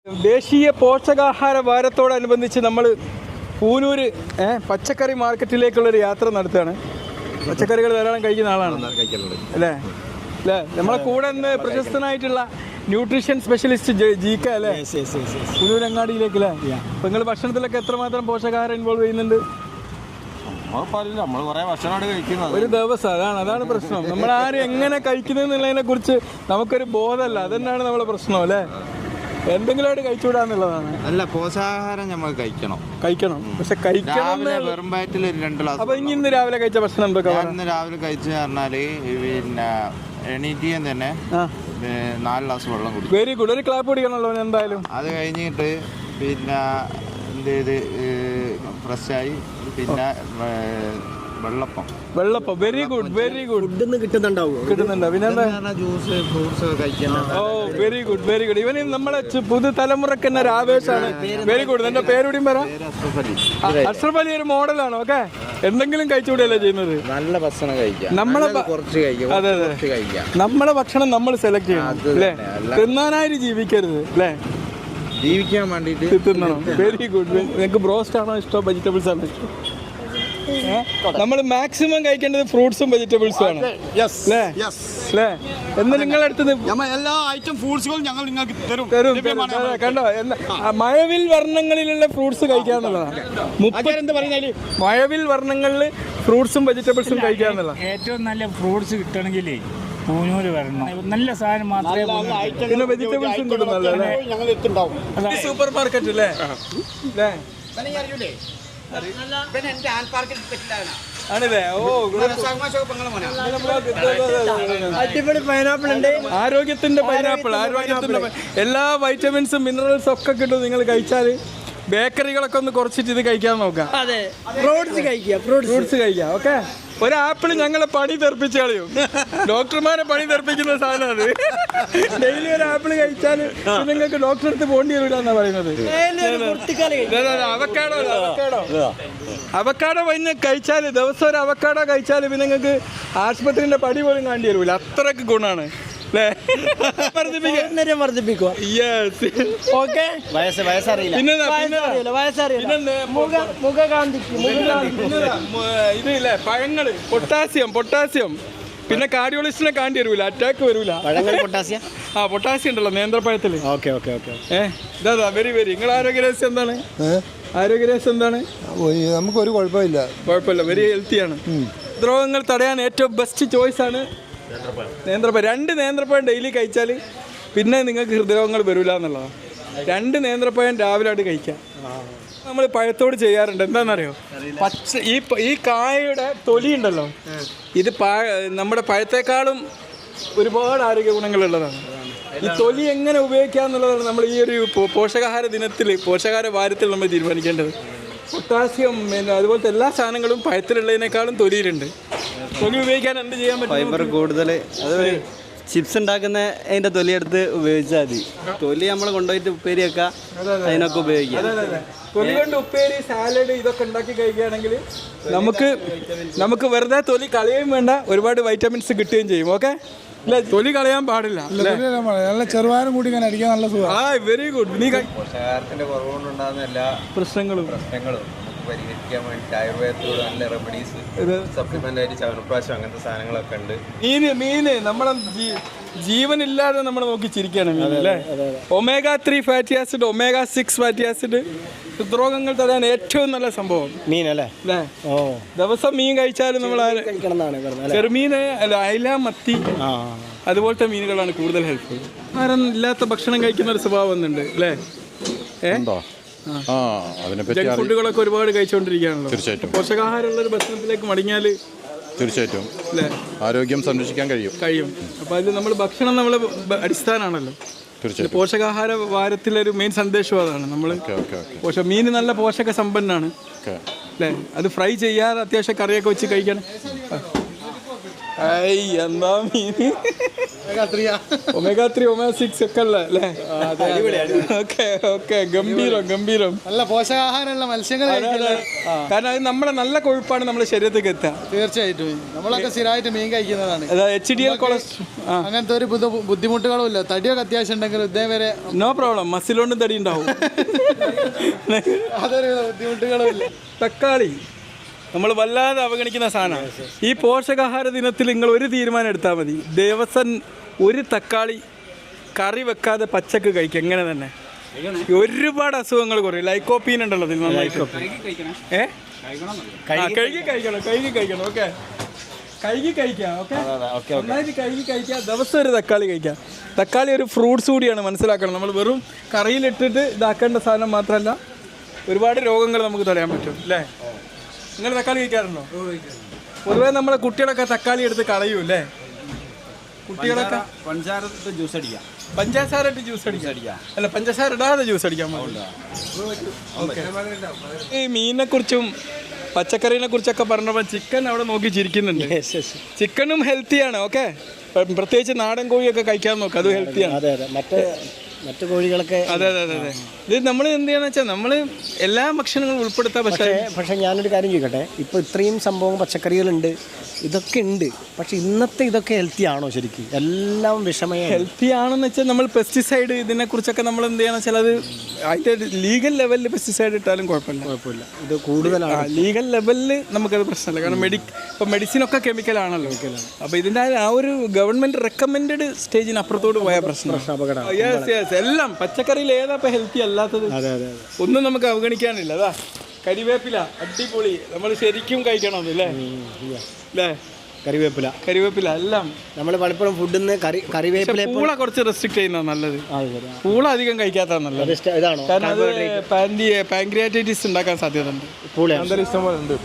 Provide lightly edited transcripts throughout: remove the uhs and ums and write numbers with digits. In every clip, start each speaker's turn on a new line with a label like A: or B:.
A: ദേശീയ പോഷകാഹാര വാരത്തോടനുബന്ധിച്ച് നമ്മൾ പൂനൂര് പച്ചക്കറി മാർക്കറ്റിലേക്കുള്ളൊരു യാത്ര നടത്തുകയാണ്. പച്ചക്കറികൾ ധാരാളം കഴിക്കുന്ന ആളാണ് അല്ലേ അല്ലേ നമ്മളെ കൂടെ നിന്ന് പ്രശസ്തനായിട്ടുള്ള ന്യൂട്രീഷൻ സ്പെഷ്യലിസ്റ്റ് ജീക്ക അല്ലേ പൂനൂരങ്ങാടിയിലേക്ക് അല്ലേ. അപ്പോൾ നിങ്ങൾ ഭക്ഷണത്തിലൊക്കെ എത്രമാത്രം പോഷകാഹാരം ഇൻവോൾവ് ചെയ്യുന്നുണ്ട്? ഒരു ദിവസം അതാണ് പ്രശ്നം. നമ്മൾ ആരും എങ്ങനെ കഴിക്കുന്നതിനെ കുറിച്ച് നമുക്കൊരു ബോധമല്ല. അതന്നെയാണ് നമ്മളെ പ്രശ്നം അല്ലേ. എന്തെങ്കിലും ആയിട്ട് കഴിച്ചുകൂടാന്നുള്ളതാണ്.
B: അല്ല, പോഷകാഹാരം നമ്മൾ കഴിക്കണം
A: പക്ഷെ കഴിക്കണം
B: വെറും വയറ്റിൽ 2 ഗ്ലാസ്.
A: അപ്പൊ ഇന്ന് രാവിലെ കഴിച്ച ഭക്ഷണം എന്തൊക്കെ?
B: ഇന്ന് രാവിലെ കഴിച്ചു പറഞ്ഞാല് പിന്നെ എണീറ്റിയും തന്നെ 4 ഗ്ലാസ് വെള്ളം കുടിക്കും.
A: Very good. ഒരു ക്ലാപ്പ് കുടിക്കണല്ലോ എന്തായാലും.
B: അത് കഴിഞ്ഞിട്ട് പിന്നെ എന്ത് ചെയ്ത് ഫ്രഷായി പിന്നെ
A: വെള്ളപ്പം വെരി ഗുഡ് കിട്ടുന്നുണ്ടോ? പിന്നെ
B: ജ്യൂസ് ഫ്രൂട്ട്സ് കഴിക്കണം.
A: ഓ വെരി ഗുഡ് ഇവന് നമ്മളെ പുതുതലമുറക്ക് തന്നെ ഒരു ആവേശമാണ്. Very good. എന്റെ പേരുടിയും പറയാം. അഷ്റഫ് അലി ഒരു മോഡലാണ്. ഓക്കെ, എന്തെങ്കിലും കഴിച്ചുകൂടിയല്ലേ ചെയ്യുന്നത്.
B: നല്ല ഭക്ഷണം കഴിക്കാം.
A: നമ്മളെ ഭക്ഷണം നമ്മൾ സെലക്ട് ചെയ്യണം അല്ലേ. തിന്നാനായിട്ട് ജീവിക്കരുത് അല്ലേ,
B: ജീവിക്കാൻ വേണ്ടിട്ട്
A: തിന്നണം. Very good. നിങ്ങൾക്ക് ബ്രോസ്റ്റ് ആണോ ഇഷ്ടം, വെജിറ്റബിൾസ് ആണോ ഇഷ്ടം? നമ്മൾ മാക്സിമം കഴിക്കേണ്ടത് ഫ്രൂട്ട്സും വെജിറ്റബിൾസും ആണ് അല്ലേ. എന്ന് നിങ്ങളുടെ അടുത്ത്
C: എല്ലാ ഐറ്റം ഫ്രൂട്ട്സുകളും ഞങ്ങൾ നിങ്ങൾക്ക് തരും.
A: കണ്ടോ, മഴവിൽ വർണ്ണങ്ങളിലുള്ള ഫ്രൂട്ട്സ് കഴിക്കാന്നുള്ളതാണ്. മഴവിൽ വർണ്ണങ്ങളിൽ ഫ്രൂട്ട്സും വെജിറ്റബിൾസും കഴിക്കാന്നുള്ള.
D: ഏറ്റവും നല്ല ഫ്രൂട്ട്സ് കിട്ടണമെങ്കിൽ പൂനൂര് വരണം. നല്ല സാധനം മാത്രമേ.
A: പിന്നെ വെജിറ്റബിൾസും കിട്ടുന്നല്ലേ. സൂപ്പർ മാർക്കറ്റ് അല്ലേ. ആണല്ലേ. ഓ, അടിപൊളി പൈനാപ്പിൾ ഉണ്ട്. ആരോഗ്യത്തിന്റെ എല്ലാ വൈറ്റമിൻസും മിനറൽസും ഒക്കെ കിട്ടും. നിങ്ങൾ കഴിച്ചാല് ബേക്കറികളൊക്കെ ഒന്ന് കുറച്ചിട്ട് ഇത് കഴിക്കാൻ നോക്കാം. ഫ്രൂട്ട്സ് കഴിക്കാം. ഓക്കെ, ഒരു ആപ്പിൾ ഞങ്ങളെ പണി തെറിപ്പിച്ച് കളയും. ഡോക്ടർമാരെ പണി തെറിപ്പിക്കുന്ന സാധനം അത്. ഡെയിലി ഒരു ആപ്പിൾ കഴിച്ചാൽ നിങ്ങൾക്ക് ഡോക്ടറെ അടുത്ത് പോകേണ്ടി വരില്ല എന്നാ പറയുന്നത്. അവക്കാടോ പിന്നെ കഴിച്ചാൽ ദിവസം ഒരു അവക്കാടോ കഴിച്ചാൽ പിന്നെ നിങ്ങൾക്ക് ആശുപത്രിന്റെ പടി പോലും കാണേണ്ടി വരില്ല. അത്രക്ക് ഗുണാണ്. ഇതില്ലേ പഴങ്ങള്, പൊട്ടാസ്യം പിന്നെ കാർഡിയോളജിസ്റ്റിനെ കാണ്ടി വരൂല, അറ്റാക്ക് വരൂല. പൊട്ടാസ്യം ഉണ്ടല്ലോ നേന്ത്രപ്പഴത്തില്. ഇതാ വെരി നിങ്ങൾ ആരോഗ്യരഹസ്യം എന്താണ്? ആരോഗ്യരഹസ്യം എന്താണ്?
E: നമുക്കൊരു കുഴപ്പമില്ല.
A: വെരി ഹെൽത്തിയാണ്. രോഗങ്ങൾ തടയാൻ ഏറ്റവും ബെസ്റ്റ് ചോയ്സ് ആണ് നേന്ത്രപ്പഴം. 2 നേന്ത്രപ്പഴം ഡെയിലി കഴിച്ചാൽ പിന്നെ നിങ്ങൾക്ക് ഹൃദയരോഗങ്ങൾ വരില്ല എന്നുള്ളതാണ്. 2 നേന്ത്രപ്പഴം രാവിലെ ആയിട്ട് കഴിക്കാം. നമ്മൾ പഴത്തോട് ചെയ്യാറുണ്ട്. എന്താണെന്നറിയോ, ഈ കായയുടെ തൊലി ഉണ്ടല്ലോ, ഇത് നമ്മുടെ പഴത്തേക്കാളും ഒരുപാട് ആരോഗ്യ ഗുണങ്ങളുള്ളതാണ്. ഈ തൊലി എങ്ങനെ ഉപയോഗിക്കുക എന്നുള്ളതാണ് നമ്മൾ ഈ ഒരു പോഷകാഹാര വാരത്തിൽ നമ്മൾ തീരുമാനിക്കേണ്ടത്. പൊട്ടാസ്യം പിന്നെ അതുപോലത്തെ എല്ലാ സാധനങ്ങളും പഴത്തിലുള്ളതിനേക്കാളും തൊലിയിലുണ്ട്. തൊലി ഉപയോഗിക്കാൻ എന്ത് ചെയ്യാൻ പറ്റും?
F: ഫൈബർ കൂടുതൽ. അത് ചിപ്സ് ഉണ്ടാക്കുന്ന അതിൻ്റെ തൊലിയെടുത്ത് ഉപയോഗിച്ചാൽ മതി. തൊലി നമ്മൾ കൊണ്ടുപോയിട്ട് ഉപ്പേരി വെക്കാം, അതിനൊക്കെ ഉപയോഗിക്കാം.
A: തൊലി കൊണ്ട് ഉപ്പേരി, സാലഡ് ഇതൊക്കെ ഉണ്ടാക്കി കഴിക്കുകയാണെങ്കിൽ നമുക്ക് വെറുതെ തൊലി കളയുകയും വേണ്ട, ഒരുപാട് വൈറ്റമിൻസ് കിട്ടുകയും ചെയ്യും. ഓക്കെ, ഇല്ല തൊലി കളയാൻ പാടില്ല.
E: നല്ല ചെറുവാരം കൂടി ഇങ്ങനെ അടിക്കാൻ നല്ല സുഖം.
A: Very good.
B: പോഷകാഹാരത്തിന്റെ കുറവുകൊണ്ടുണ്ടാകുന്ന എല്ലാ പ്രശ്നങ്ങളും പരിഹരിക്കാൻ വേണ്ടി ആയുർവേദത്തിലൂടെ നല്ല റെമഡീസ്, സപ്ലിമെന്റ് ആയിട്ട് ചവനപ്രാശം അങ്ങനത്തെ സാധനങ്ങളൊക്കെ ഉണ്ട്.
A: മീന് നമ്മളെ ജീവനില്ലാതെ നമ്മൾ നോക്കി ചിരിക്കുകയാണ് മീൻ അല്ലേ. omega-3 fatty acid, omega-6 fatty acid ഹൃദ്രോഗങ്ങൾ തടയാൻ ഏറ്റവും നല്ല സംഭവം മീനല്ലേ. ദിവസം മീൻ കഴിച്ചാലും നമ്മൾ ചെറുമീന് അല്ല, അയല, മത്തി അതുപോലത്തെ മീനുകളാണ് കൂടുതൽ ഹെൽപ്ഫുൾ. ആഹാരം ഇല്ലാത്ത ഭക്ഷണം കഴിക്കുന്ന ഒരു സ്വഭാവം ഒന്നുണ്ട് അല്ലേ. ജങ്ക് ഫുഡുകളൊക്കെ ഒരുപാട് കഴിച്ചുകൊണ്ടിരിക്കുകയാണല്ലോ. തീർച്ചയായിട്ടും പോഷകാഹാരമുള്ള ഒരു ഭക്ഷണത്തിലേക്ക് മടങ്ങിയാൽ
G: തീർച്ചയായിട്ടും ആരോഗ്യം സംരക്ഷിക്കാൻ കഴിയും.
A: അപ്പോൾ അതിൽ നമ്മൾ ഭക്ഷണം നമ്മളെ അടിസ്ഥാനമാണല്ലോ. പോഷകാഹാര വാരത്തിലൊരു മെയിൻ സന്ദേശം അതാണ്. നമ്മൾ മീൻ നല്ല പോഷക സമ്പന്നാണ് അല്ലേ. അത് ഫ്രൈ ചെയ്യാതെ അത്യാവശ്യം കറിയൊക്കെ വെച്ച് കഴിക്കണം. എന്താ മീൻ ഒമേഗ 3 ഒമേഗ 6 ഒക്കെ അല്ലേ? ഓക്കെ ഗംഭീരം
E: നല്ല പോഷകാഹാരമുള്ള മത്സ്യങ്ങൾ
A: കാരണം അത് നമ്മുടെ നല്ല കൊഴുപ്പാണ് നമ്മുടെ ശരീരത്തേക്ക് എത്തുക.
E: തീർച്ചയായിട്ടും നമ്മളൊക്കെ സ്ഥിരമായിട്ട് മീൻ കഴിക്കുന്നതാണ്.
A: HDL കൊളസ്ട്രോൾ
E: അങ്ങനത്തെ ഒരു ബുദ്ധിമുട്ടുകളും ഇല്ല. തടിയൊക്കെ അത്യാവശ്യം ഉണ്ടെങ്കിൽ ഇതേവരെ
A: നോ പ്രോബ്ലം, മസിലോണ്ടും തടി ഉണ്ടാവും.
E: അതൊരു ബുദ്ധിമുട്ടുകളും ഇല്ല.
A: തക്കാളി നമ്മൾ വല്ലാതെ അവഗണിക്കുന്ന സാധനമാണ്. ഈ പോഷകാഹാര ദിനത്തിൽ നിങ്ങൾ ഒരു തീരുമാനം എടുത്താൽ മതി, ദിവസം ഒരു തക്കാളി കറി വെക്കാതെ പച്ചക്ക് കഴിക്കുക. എങ്ങനെ തന്നെ ഒരുപാട് അസുഖങ്ങൾ കുറയും. ലൈക്കോപ്പീൻ ഉണ്ടല്ലോ ഇതിൽ നന്നായിട്ട്. കഴുകി കഴിക്കണം. ഓക്കെ, കഴുകി കഴിക്കാം. ഓക്കെ, നന്നായിട്ട് കഴുകി കഴിക്കുക. ദിവസം ഒരു തക്കാളി കഴിക്കാം. തക്കാളി ഒരു ഫ്രൂട്ട്സ് കൂടിയാണ്, മനസ്സിലാക്കണം. നമ്മൾ വെറും കറിയിലിട്ടിട്ട് ഇതാക്കേണ്ട സാധനം മാത്രമല്ല, ഒരുപാട് രോഗങ്ങൾ നമുക്ക് തടയാൻ പറ്റും അല്ലേ? നിങ്ങൾ തക്കാളി കഴിക്കാറുണ്ടോ? പൊതുവേ നമ്മുടെ കുട്ടികളൊക്കെ തക്കാളി എടുത്ത് കളയൂ അല്ലേ? കുട്ടികളൊക്കെ
C: പഞ്ചസാര ജ്യൂസ് അടിക്കാം.
A: പഞ്ചസാര ഇട്ട് ജ്യൂസ് അടിക്കാം. അല്ല, പഞ്ചസാര ഇടാതെ ജ്യൂസ് അടിക്കാൻ പാടില്ല. ഈ മീനിനെ കുറിച്ചും പച്ചക്കറിനെ കുറിച്ചൊക്കെ പറഞ്ഞപ്പോൾ ചിക്കൻ അവിടെ നോക്കി ചിരിക്കുന്നുണ്ട്. ചിക്കനും ഹെൽത്തിയാണ്. ഓക്കെ, പ്രത്യേകിച്ച് നാടൻ കോഴിയൊക്കെ കഴിക്കാൻ നോക്കുക, അത് ഹെൽത്തിയാണ്.
F: മറ്റു കോഴികളൊക്കെ
A: അതെ. ഇത് നമ്മൾ എന്ത് ചെയ്യാന്ന് വെച്ചാൽ നമ്മൾ എല്ലാ ഭക്ഷണങ്ങളും ഉൾപ്പെടുത്താം.
F: പക്ഷേ ഞാനൊരു കാര്യം ചോദിക്കട്ടെ, ഇപ്പോൾ ഇത്രയും സംഭവം പച്ചക്കറികളുണ്ട്, ഇതൊക്കെ ഉണ്ട്, പക്ഷെ ഇന്നത്തെ ഇതൊക്കെ ഹെൽത്തി ആണോ ശരിക്കും? എല്ലാം വിഷമയ
A: ഹെൽത്തി ആണെന്ന് വെച്ചാൽ നമ്മൾ പെസ്റ്റിസൈഡ് ഇതിനെക്കുറിച്ചൊക്കെ നമ്മൾ എന്ത് ചെയ്യാന്ന് വെച്ചാൽ അത് അതിൻ്റെ ലീഗൽ ലെവലിൽ പെസ്റ്റിസൈഡ് ഇട്ടാലും കുഴപ്പമില്ല.
F: ഇത് കൂടുതലാണ്.
A: ലീഗൽ ലെവലിൽ നമുക്കത് പ്രശ്നമില്ല. കാരണം ഇപ്പോൾ മെഡിസിനൊക്കെ കെമിക്കലാണല്ലോ. അപ്പോൾ ഇതിൻ്റെ ആ ഒരു ഗവൺമെൻറ് റെക്കമെൻഡ് സ്റ്റേജിന് അപ്പുറത്തോട്ട് പോയ പ്രശ്നം. യെസ്, എല്ലാം പച്ചക്കറിയിൽ ഏതാ ഇപ്പോൾ ഹെൽത്തി അല്ലാത്തത്? ഒന്നും നമുക്ക് അവഗണിക്കാനില്ല. അതാ കരിവേപ്പില അടിപൊളി, നമ്മൾ ശരിക്കും കഴിക്കണം അല്ലേ? കരിവേപ്പില എല്ലാം നമ്മൾ പലപ്പോഴും ഫുഡിൽ കറിവേപ്പില പൂള കുറച്ച് റെസ്ട്രിക്ട് ചെയ്യുന്നതാണ് നല്ലത്. പൂള അധികം കഴിക്കാത്തതാണ് നല്ലത്. കാരണം അത് പാൻക്രിയാറ്റൈറ്റിസ് ഉണ്ടാക്കാൻ സാധ്യതയുണ്ട്. ഇഷ്ടം പോലെ ഉണ്ട്.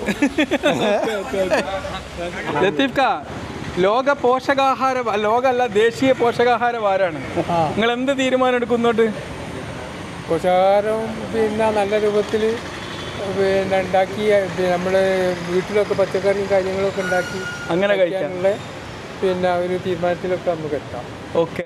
A: ലത്തീഫ് കാ, ലോക പോഷകാഹാര ലോകമല്ല ദേശീയ പോഷകാഹാര വാരാണ്. നിങ്ങൾ എന്ത് തീരുമാനം എടുക്കുന്നോട്ട്?
E: പോഷകാഹാരം പിന്നെ നല്ല രൂപത്തിൽ ഉണ്ടാക്കി നമ്മൾ വീട്ടിലൊക്കെ പച്ചക്കറിയും കാര്യങ്ങളൊക്കെ ഉണ്ടാക്കി
A: അങ്ങനെ കഴിക്കാനുള്ള
E: പിന്നെ ഒരു തീരുമാനത്തിലൊക്കെ നമുക്ക് എത്താം.
A: ഓക്കെ.